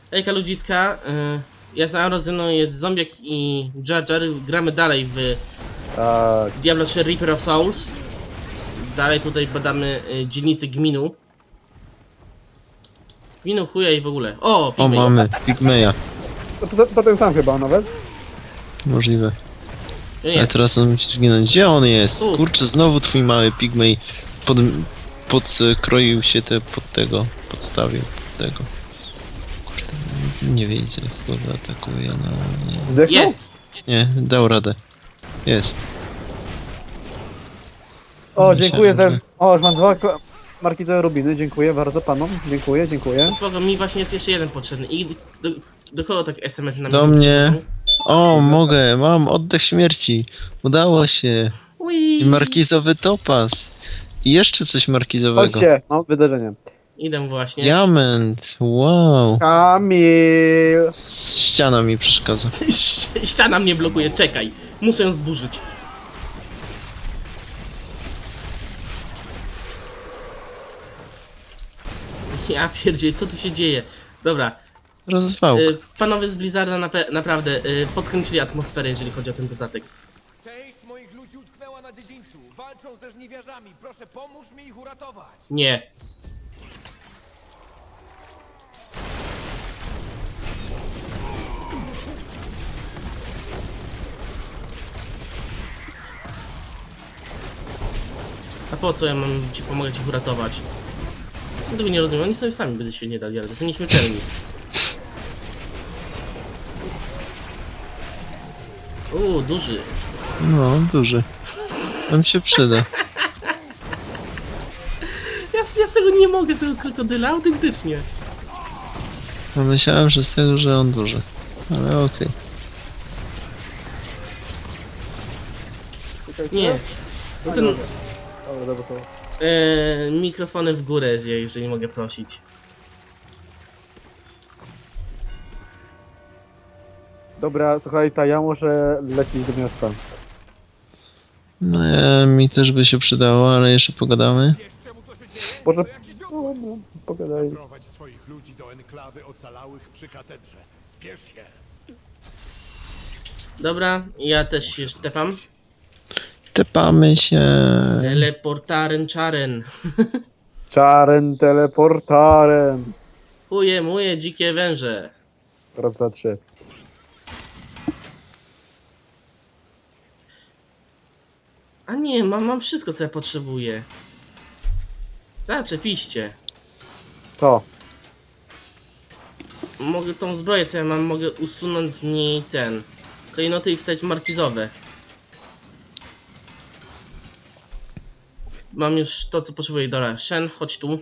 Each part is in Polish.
Hejka ludziska, ja z Arozyną, jest Zombiak i Jar Jar. Gramy dalej w Tak. Diablo 3 Reaper of Souls. Dalej tutaj badamy dzielnicę Gminu. Gminu chuja i w ogóle. O, O, Pigmej. mamy Pigmeya. To ten sam chyba nawet. Możliwe. Nie, Ale teraz on musi zginąć. Gdzie on jest? Tu. Kurczę, znowu twój mały Pigmej podkroił się podstawił pod tego. Kurde, nie widzę, kurde, atakuje, no nie. Zdechnął? jest! Nie, dał radę. Jest. O, dziękuję za... Myślałem, O, już mam marki za rubiny. Dziękuję bardzo panom. Dziękuję, dziękuję. Spoko, mi właśnie jest jeszcze jeden potrzebny. I do kogo tak SMS na Do mnie. O, mogę, mam oddech śmierci. Udało się. I markizowy topaz. I jeszcze coś markizowego. Chodźcie, no, wydarzenie. Idę właśnie. Diament, wow. Kamil! Ściana mi przeszkadza. Ściana mnie blokuje, czekaj. Muszę ją zburzyć. Ja pierdzielę, co tu się dzieje? Dobra, Rozwał. panowie z Blizzarda naprawdę podkręcili atmosferę, jeżeli chodzi o ten dodatek. Część moich ludzi utknęła na dziedzińcu. Walczą ze żniwiarzami. Proszę, pomóż mi ich uratować. Nie. A po co ja mam ci pomagać ich uratować? No tego nie rozumiem, oni sobie sami by się nie dali, ale to są nieśmiertelni. Duży. No, duży. Nam się przyda. Ja z tego nie mogę, tego krokodyla, autentycznie. No, myślałem, że z tego, że on duży. Ale okej. Nie. No ten, Dobra, to... mikrofony w górę, jeżeli mogę prosić. Dobra, słuchaj, ja muszę lecieć do miasta. No, mi też by się przydało, ale jeszcze pogadamy. Wiesz, czemu to się dzieje? Może... To jakiś No, no, pogadaj. Prowadź swoich ludzi do enklawy ocalałych przy katedrze. Spiesz się. Dobra, ja też się tepam. Tepamy się. Teleportaren czaren. Czaren teleportaren. Chuje moje dzikie węże. Raz, dwa, trzy. A nie, mam wszystko, co ja potrzebuję. Zaczepiście. Co? Mogę tą zbroję, co ja mam, mogę usunąć z niej klejnoty i wstać markizowe. Mam już to, co potrzebuję. Dobra, Shen, chodź tu.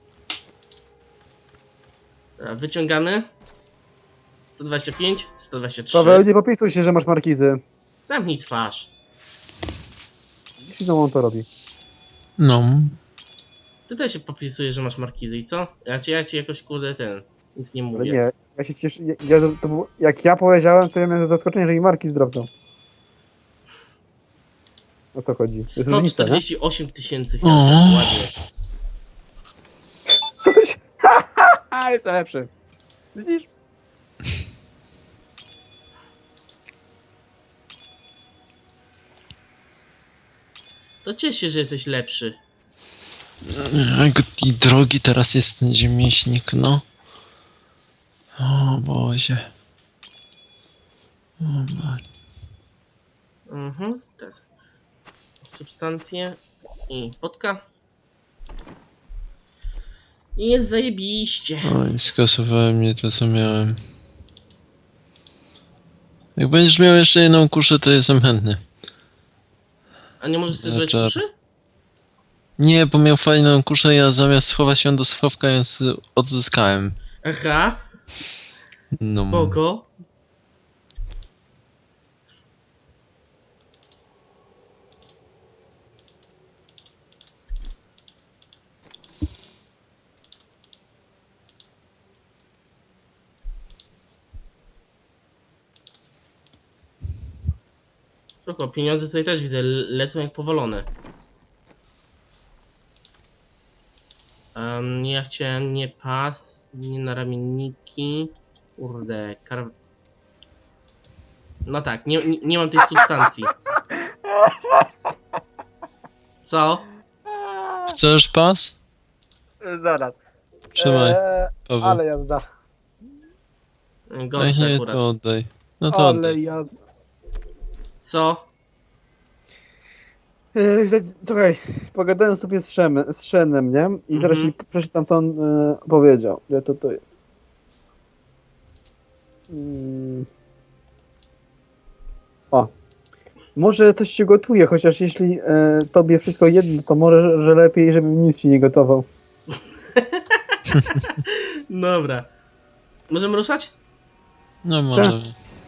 Dobra, wyciągamy. 125, 123. Paweł, nie popisuj się, że masz markizy. Zamknij twarz. Jeśli znowu on to robi. No. Ty też się popisujesz, że masz markizy i co? Ja ci jakoś kurde nic nie Ale mówię. nie, ja się cieszę. Jak ja powiedziałem, to ja miałem zaskoczenie, że mi marki zdrobną. O to chodzi. To jest różnica, nie? 148 tysięcy. O. Ładnie. Co ty się... Ha, jest lepszy. Widzisz? To cieszę się, że jesteś lepszy. Jak i drogi teraz jest ten ziemieśnik, no. O Boże. O Boże. Teraz substancje i potka. I jest zajebiście. Oj, skasowałem mnie to, co miałem. Jak będziesz miał jeszcze jedną kuszę, to jestem chętny. A nie możesz sobie zrobić Znaczy- uszy? Nie, bo miał fajną kuszę, ja zamiast schować ją do schowka, ją odzyskałem. Aha, No. spoko. Spoko, pieniądze tutaj też widzę, lecą jak powolone. Ja chciałem nie pas, nie naramienniki. Kurde, no tak, nie mam tej substancji. Co? Chcesz pas? Zaraz. Trzymaj, Paweł. Ale jazda. Ej, Gorsze nie, akurat. to oddaj. No to Ale oddaj. jazda. Co? Słuchaj, pogadałem sobie z Szenem, nie? I zaraz ci przeczytam, co on powiedział. Ja to jest. O. Może coś ci gotuje, chociaż jeśli tobie wszystko jedno, to może, że lepiej, żebym nic ci nie gotował. Dobra. Możemy ruszać? No może.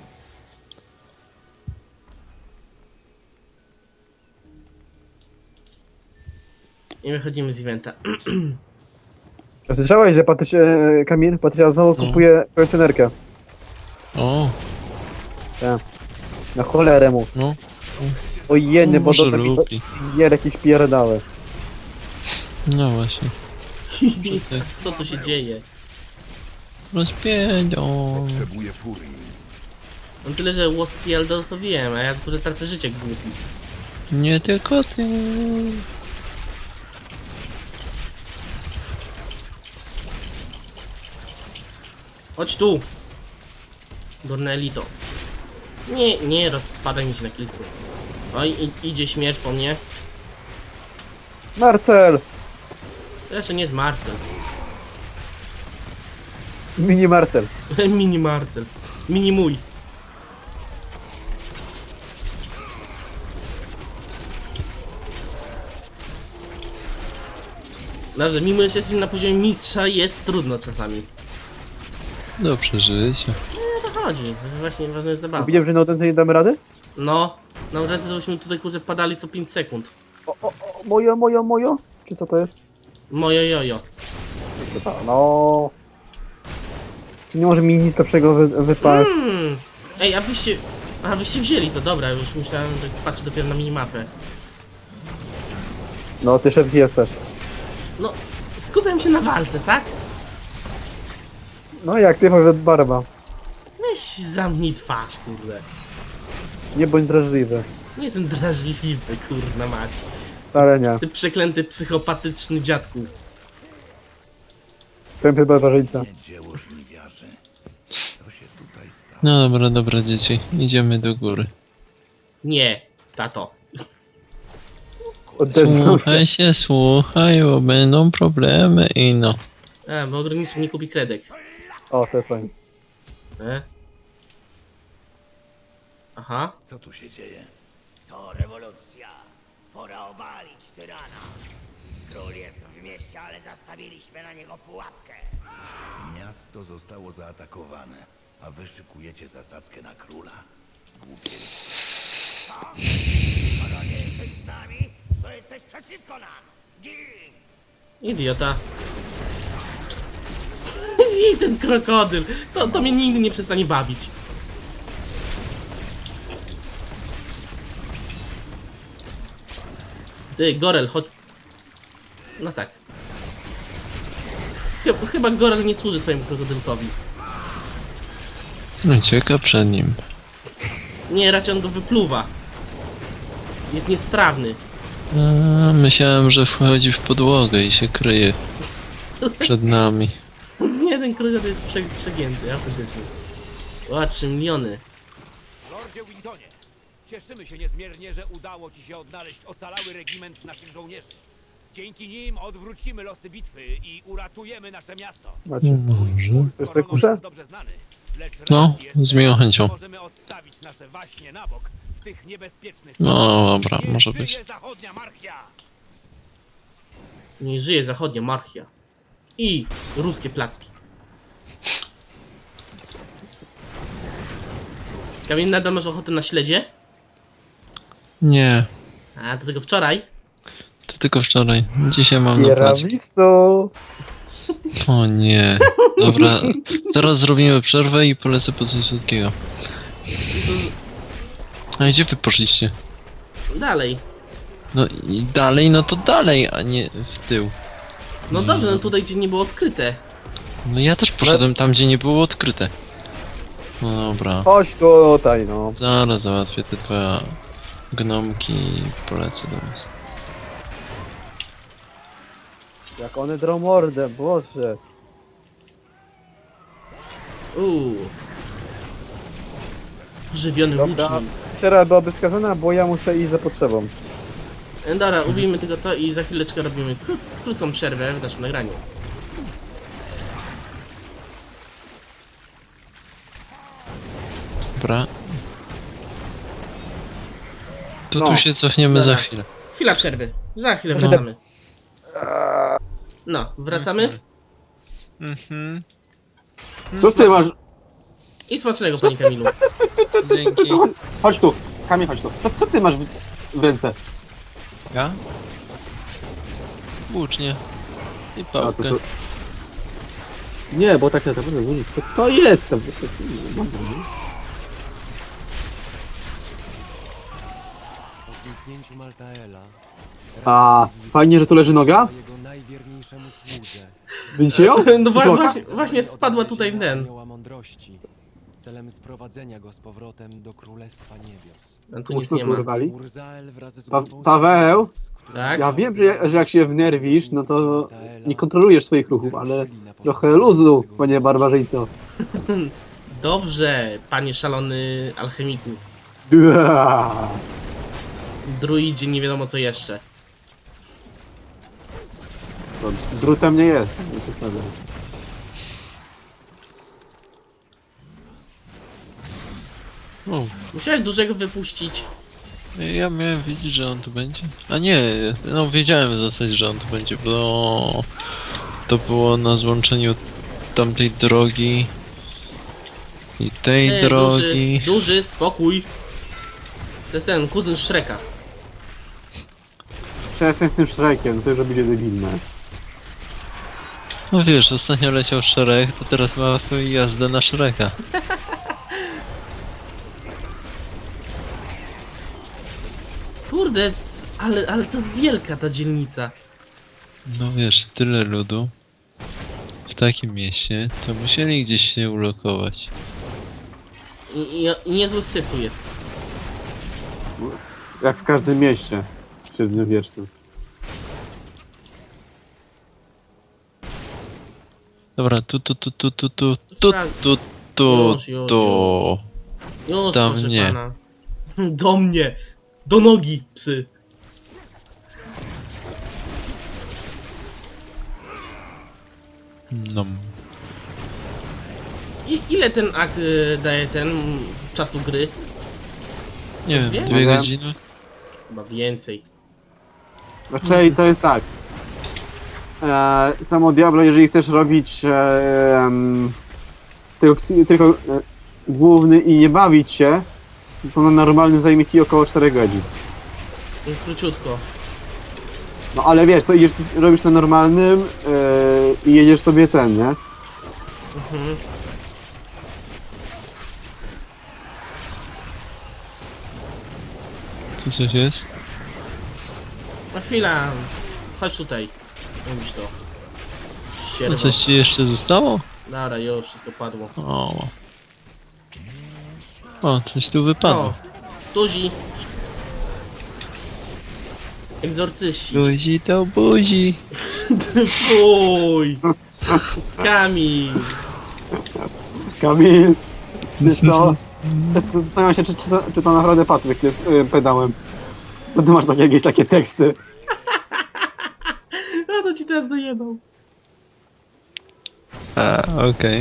I wychodzimy z eventa. Słyszałeś, że Kamil, Patrycja znowu No. kupuje kolekcjonerkę. O, Na cholerę mu. no. O jeny, bo Może to taki lubi. gier jakieś pierdały. No właśnie. Co tu się dzieje? Rozpiędzią. Potrzebuję furii. No tyle, że Łoskiel to wiem, a ja tylko tracę życie jak głupi. Nie tylko ty. Chodź tu! Dornelito. Nie rozpadaj mi się na kilku. Oj, idzie śmierć po mnie. Marcel! Zresztą nie jest Marcel. Mini Marcel. Mini Marcel. Mini mój. Dobrze, mimo że jesteśmy na poziomie mistrza, jest trudno czasami. Do przeżycia. Nie, to chodzi. To właśnie ważna jest zabawa. Widziałem, że na odence nie damy rady? No, na razie to byśmy tutaj kurczę padali co 5 sekund. O, mojo? Czy co to jest? Mojo jojo. No. Czy nie może mi nic lepszego wypaść? Ej, a wyście wzięli to, dobra, już myślałem, że patrzę dopiero na minimapę. No, ty szef jesteś. No, skupiam się na walce, tak? No jak ty powiedz barba. Weź zamknij twarz, kurde. Nie bądź drażliwy. Nie jestem drażliwy, kurna mać. Wcale nie. Ty przeklęty psychopatyczny dziadku. Tępy barbarzyńca. Nie dzieło żniwiarzy. Co się tutaj stało? No dobra, dzieci. Idziemy do góry. Nie, tato. Odezwał się. Słuchaj, bo będą problemy i no. Bo ograniczny nie kupi kredek. O, to jest fajnie. Aha. Co tu się dzieje? To rewolucja. Pora obalić tyrana. Król jest w mieście, ale zastawiliśmy na niego pułapkę. Miasto zostało zaatakowane, a wy szykujecie zasadzkę na króla? Zgłupieliście. Co? Skoro nie jesteś z nami, to jesteś przeciwko nam. Gin! Idiota. Zjedz ten krokodyl. To mnie nigdy nie przestanie bawić. Ty, Gorel, chodź. No tak. Chyba Gorel nie służy twojemu krokodylkowi. Ucieka przed nim. Nie, raczej on go wypluwa. Jest niestrawny. A, myślałem, że wchodzi w podłogę i się kryje przed nami. Nie, ten krokodyl jest przegięty, autentycznie. O, 3 miliony. Lordzie Wintonie, cieszymy się niezmiernie, że udało ci się odnaleźć ocalały regiment naszych żołnierzy. Dzięki nim odwrócimy losy bitwy i uratujemy nasze miasto. Macie. Może. Wiesz co, kuszę? Jest dobrze znany, lecz No, raz jest, z miłą chęcią. możemy odstawić nasze waśnie na bok w tych niebezpiecznych No dobra, Niech może żyje być. zachodnia marchia! Nie żyje zachodnia marchia. I ruskie placki. Kamil, nadal masz ochotę na śledzie? Nie, A, do tego wczoraj? to tylko wczoraj. Dzisiaj mam na placu. Tiramisu! O nie. Dobra, teraz zrobimy przerwę i polecę po coś słodkiego. A gdzie wy poszliście? Dalej. No i dalej, no to dalej, a nie w tył. No dobrze, no tutaj gdzie nie było odkryte. No ja też poszedłem tam, gdzie nie było odkryte. No dobra. Chodź tutaj, no. Zaraz załatwię te dwa gnomki i polecę do was. Jak one drą mordę, boże. Żywiony Dobra, łucznik. przerwa byłaby wskazana, bo ja muszę iść za potrzebą. Dobra, ubijmy tylko to i za chwileczkę robimy krótką przerwę w naszym nagraniu. Dobra. To No. tu się cofniemy za Dobra. chwilę. Chwila przerwy. Za chwilę wracamy. No, wracamy. Mhm. Co ty masz? I smacznego, panie Kamilu. Dzięki. Chodź tu, Kamil, chodź tu. Co ty masz w ręce? Ja? Włócznie. I pałkę. Nie, bo tak naprawdę co to jest? Po zniknięciu Maltaela A, fajnie, że tu leży noga? jego najwierniejszemu słudze. Widzicie ją? No Słuchaj. właśnie spadła tutaj w ten. Anioła mądrości, celem sprowadzenia go z powrotem do Królestwa Niebios. A tu nic nie ma. Urwali. Urzael wraz z Pa- grupą Paweł? służebnic, którzy Tak? Ja wiem, że jak się wnerwisz, no to Maltaela nie kontrolujesz swoich ruchów, ale wyruszyli na trochę poszukiwanie luzu, swego panie barbarzyńco. Dobrze, panie szalony alchemiku. Dua. Druidzie, nie wiadomo co jeszcze. To drutem nie jest. Nie przesadzaj. O, Musiałeś dużego wypuścić. ja miałem wiedzieć, że on tu będzie. A nie, no wiedziałem w zasadzie, że on tu będzie, bo to było na złączeniu tamtej drogi i tej drogi. Duży, spokój. To jest ten kuzyn Shreka. Przestań z tym Shrekiem, to już robi się debilne. No wiesz, ostatnio leciał Shrek, to teraz ma jazdę na Shreka. Kurde, ale to jest wielka ta dzielnica. No wiesz, tyle ludu w takim mieście, to musieli gdzieś się ulokować. I niezły syf tu jest. Jak w każdym mieście średniowiecznym. Dobra, tu, Już. tu. Już, Tam proszę nie. pana. Do mnie. Do nogi, psy. No. Ile ten akt daje czasu gry? Nie wiem, Dwie? 2 godziny? Chyba więcej. Znaczy to jest tak. Samo Diablo, jeżeli chcesz robić tylko główny i nie bawić się, to na normalnym zajmie ci około 4 godzin. Króciutko. No ale wiesz, to idziesz, robisz na normalnym i jedziesz sobie ten, nie? Mhm. Tu coś jest? Na chwilę. Chodź tutaj. Mówisz to. No Sierwo. coś ci jeszcze zostało? Dobra, już wszystko padło. O, coś tu wypadło. O, tuzi. Egzorcyści. Buzi to buzi. Fuj. Kamil. Kamil, wiesz co? Zastanawiam się, czy to naprawdę Patryk jest pedałem. Bo ty masz jakieś takie teksty. No to ci teraz dojebał. A, okej.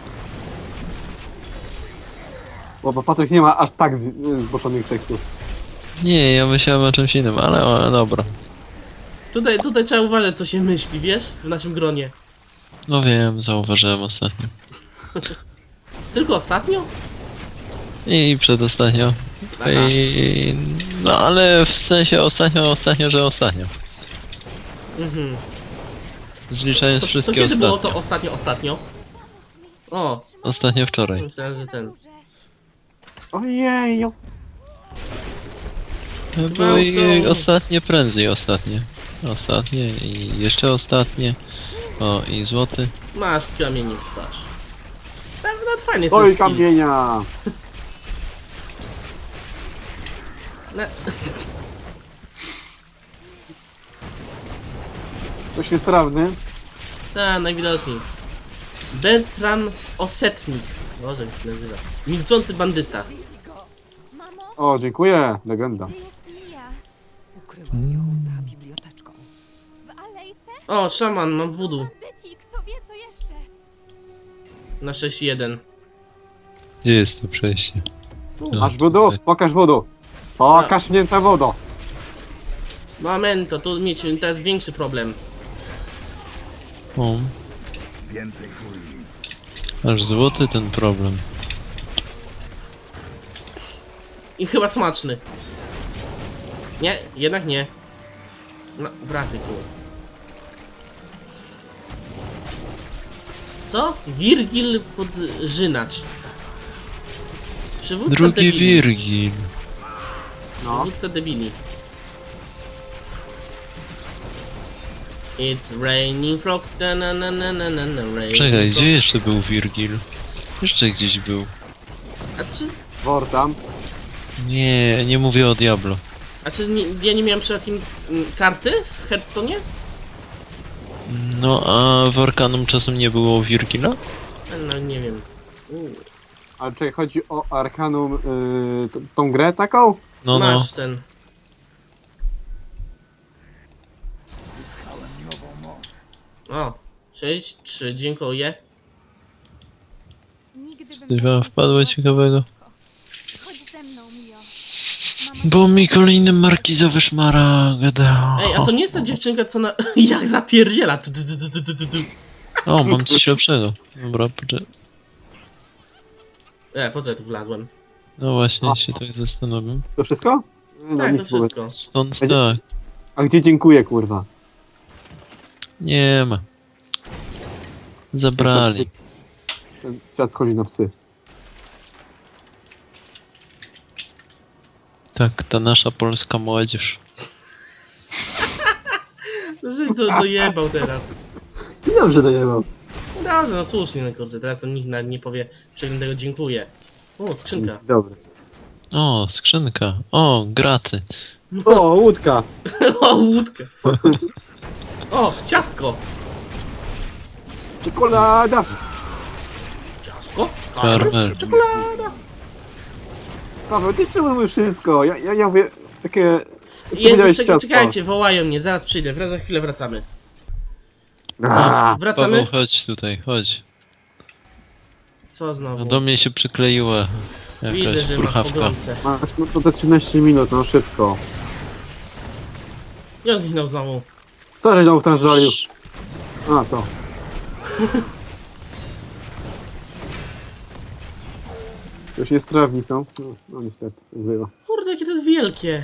Bo Patryk nie ma aż tak zboczonych tekstów. Nie, ja myślałem o czymś innym, ale dobra. Tutaj trzeba uważać co się myśli, wiesz? W naszym gronie. No wiem, zauważyłem ostatnio. Tylko ostatnio? I przedostatnio. Aha. No ale w sensie ostatnio, że ostatnio. Mhm. Zliczając To wszystkie kiedy było ostatnio. to ostatnio? O, Ostatnio wczoraj. myślałem, że ten. Ojeju. Było i co? ostatnie, prędzej ostatnie. Ostatnie i jeszcze ostatnie. O, i złoty. Masz kamienie w twarz. Pewno nawet fajny ten Oj, skill. kamienia! No, Ktoś jest strawny. tak, najwidoczniej. Beltran Osetnik. Boże, jak się nazywa. Milczący bandyta. Mamo, O, dziękuję. Legenda. gdzie jest Mia? Ukryłam ją za biblioteczką. W alejce? O, szaman, mam voodoo. Bandyci, kto wie co jeszcze? Na 6-1. Gdzie jest to przejście? No, Masz wodu? tutaj. Pokaż wodu. Pokaż mnie ta wodo. Momento, tu mieć teraz większy problem. O, Więcej furii. aż złoty ten problem. I chyba smaczny. Nie, jednak nie. No, wracaj tu. Co? Wirgil Podżynacz. Przywódca Drugi debili. Wirgil. No. Przywódca debili. It's raining frog, na na na na na na na raining Czekaj, frog. gdzie jeszcze był Wirgil? Jeszcze gdzieś był. Wor tam. Nie, nie mówię o Diablo. A czy nie, ja nie miałem przypadkiem karty w Hearthstone'ie? No, a w Arkanum czasem nie było Wirgila? No nie wiem. Ale czekaj, chodzi o Arkanum, tą grę taką? No, no. Masz ten. Zyskałem nową moc. O, 6-3, dziękuję. Nigdy bym Coś tak wam nie wpadło zrobiła ciekawego? Chodź ze mną, Mio. Mama Bo mi kolejny markizowy szmaragd. Ej, a to nie jest ta dziewczynka, co na... jak zapierdziela. Tu, tu, tu, tu, tu, tu, tu. O, mam coś lepszego. Dobra, poczekaj. Po co ja tu wlazłem? No właśnie, się tak zastanowię. To wszystko? No, Tak, to nic w ogóle. wszystko. Stąd Będzie- tak. A gdzie dziękuję, kurwa? Nie ma. Zabrali. Ten świat schodzi na psy. Tak, ta nasza polska młodzież. No żeś dojebał teraz. Dobrze dojebał. No dobrze, no słusznie, no kurczę, teraz to nikt nawet nie powie przeglądnego dziękuję. O, skrzynka. Dobry. O, skrzynka. O, graty. O, łódka. O, łódkę. O, ciastko. Czekolada. Ciastko? Karmel. Paweł, ty czemu mówisz wszystko? Ja mówię takie... ty Jezu, powiedziałeś ciastko. czekajcie, wołają mnie, zaraz przyjdę, za chwilę wracamy. A, Wracamy? Paweł, chodź tutaj, chodź. Co No znowu? do mnie się przykleiła Widzę, jakaś że masz purchawka. pogromcę. Masz no to te 13 minut, no szybko. Ja zniknął znowu. Co żeś tam wtrążalił? A, to. Już jest trawnicą. No niestety, tak bywa. Kurde, jakie to jest wielkie.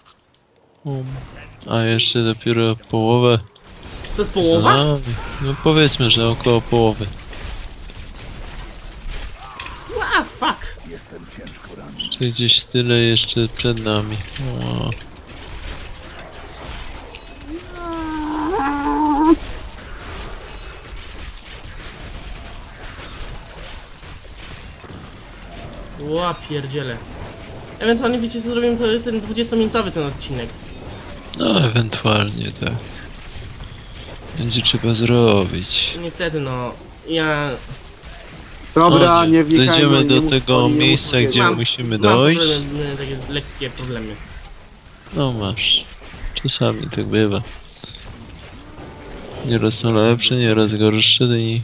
A jeszcze dopiero połowę. To jest połowa? za nami. No powiedzmy, że około połowy. A, fuck. Jestem ciężko ranny. Czyli gdzieś tyle jeszcze przed nami. O. Ła, pierdziele. Ewentualnie wiecie co zrobimy, to ten 20-minutowy ten odcinek. No, ewentualnie tak. Będzie trzeba zrobić. Niestety no, ja Dobra, O nie wnikajmy. Dojdziemy nie do mów- tego nie mów miejsca, takiego. gdzie Mam- musimy mam dojść. problemy, takie lekkie problemy. No masz. Czasami tak bywa. Nieraz są lepsze, nieraz gorsze i...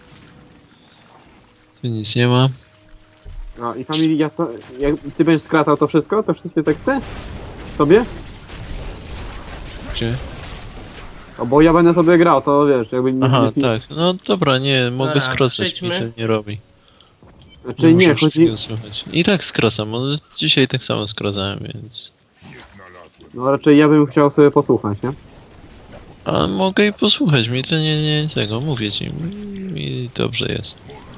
Tu nic nie ma. No i Family, jasno, jak ty będziesz skracał to wszystko? Te wszystkie teksty? Sobie? Gdzie? O, bo ja będę sobie grał, to wiesz, jakby nie... Aha, nie, tak. No dobra, nie, mogę Dobra, skracać, mi przejdźmy. to nie robi. Znaczy muszę nie, chodzi... wszystkiego słuchać. I tak skracam, ale dzisiaj tak samo skracałem, więc... No raczej ja bym chciał sobie posłuchać, nie? A mogę i posłuchać, mi to nie tego, mówię ci. Mi dobrze jest.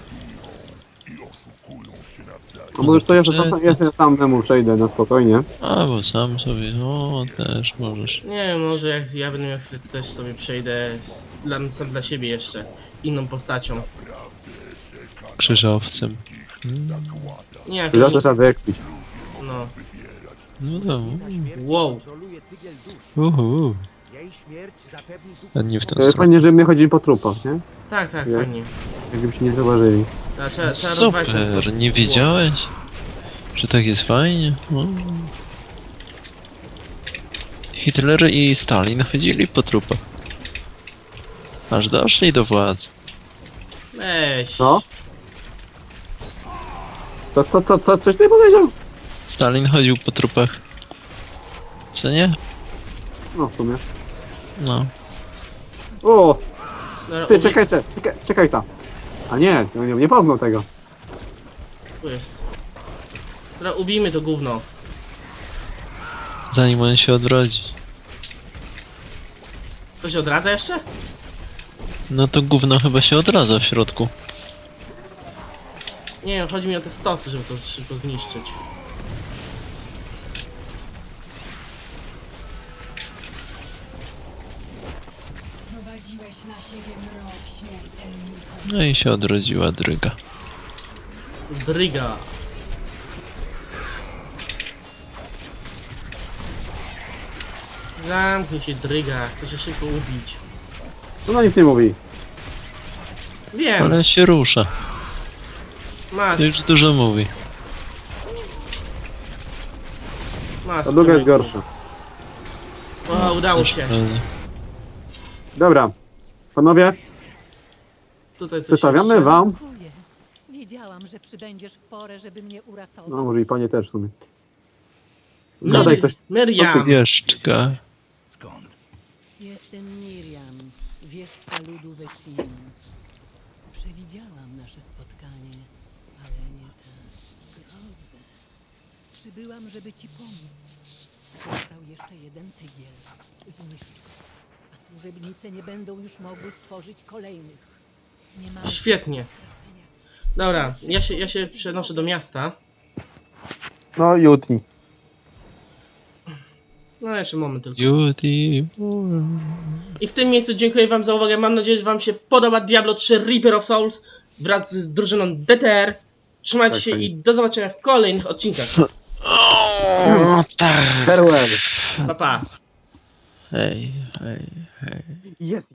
No bo już co, ja sobie samemu przejdę na spokojnie. A, bo sam sobie, o, też możesz. Nie wiem, może jak ja będę miał chwilę, to też sobie przejdę sam dla siebie jeszcze inną postacią. krzyżowcem. Nie, Chwila, to trzeba wyekspić. no. No to... Wow. Uhu. A nie w ten sposób. Fajnie, że my chodzimy po trupach, nie? Tak, tak, Nie? fajnie. Jakby się nie zauważyli. Trzeba rozwalić ten Super, port. nie wiedziałeś? Że tak jest fajnie? O. Hitler i Stalin chodzili po trupach. Aż doszli do władzy. Weź. No. Co, coś ty powiedział? Stalin chodził po trupach. Co nie? No, w sumie. No. O, Dobra, ty, czekaj tam. A nie pomnął tego. Tu jest. Dobra, ubijmy to gówno. Zanim on się odrodzi. To się odradza jeszcze? No to gówno chyba się odradza w środku. Nie wiem, chodzi mi o te stosy, żeby to szybko zniszczyć. No i się odrodziła dryga. Dryga. Zamknij się, dryga. Chcę się szybko ubić. No nic nie mówi. Wiem, Ale się rusza. masz, To już dużo mówi. masz. Ta druga jest człowieku. gorsza. O, udało się. Prawda. Dobra. Panowie, Tutaj coś przedstawiamy jeszcze. wam... Dziękuję. Wiedziałam, że przybędziesz w porę, żeby mnie uratować. No, może i panie też w sumie. Gadaj ktoś... Miriam. Wieszczka. Skąd? Jestem Miriam, wieszczka ludu Wecin. Przewidziałam nasze spotkanie, ale nie tę grozę. Przybyłam, żeby ci pomóc. Został jeszcze jeden tygiel. Zniszcz go, a służebnice nie będą już mogły stworzyć kolejnych. Nie mamy Świetnie. stracenia. Dobra, ja się przenoszę do miasta. No, jutni. No jeszcze moment tylko. Beauty. I w tym miejscu dziękuję wam za uwagę. Mam nadzieję, że wam się podoba Diablo 3 Reaper of Souls wraz z drużyną DTR. Trzymajcie Tak, się tak. i do zobaczenia w kolejnych odcinkach. O, tak. Farewell. Pa pa. Hej. Jest.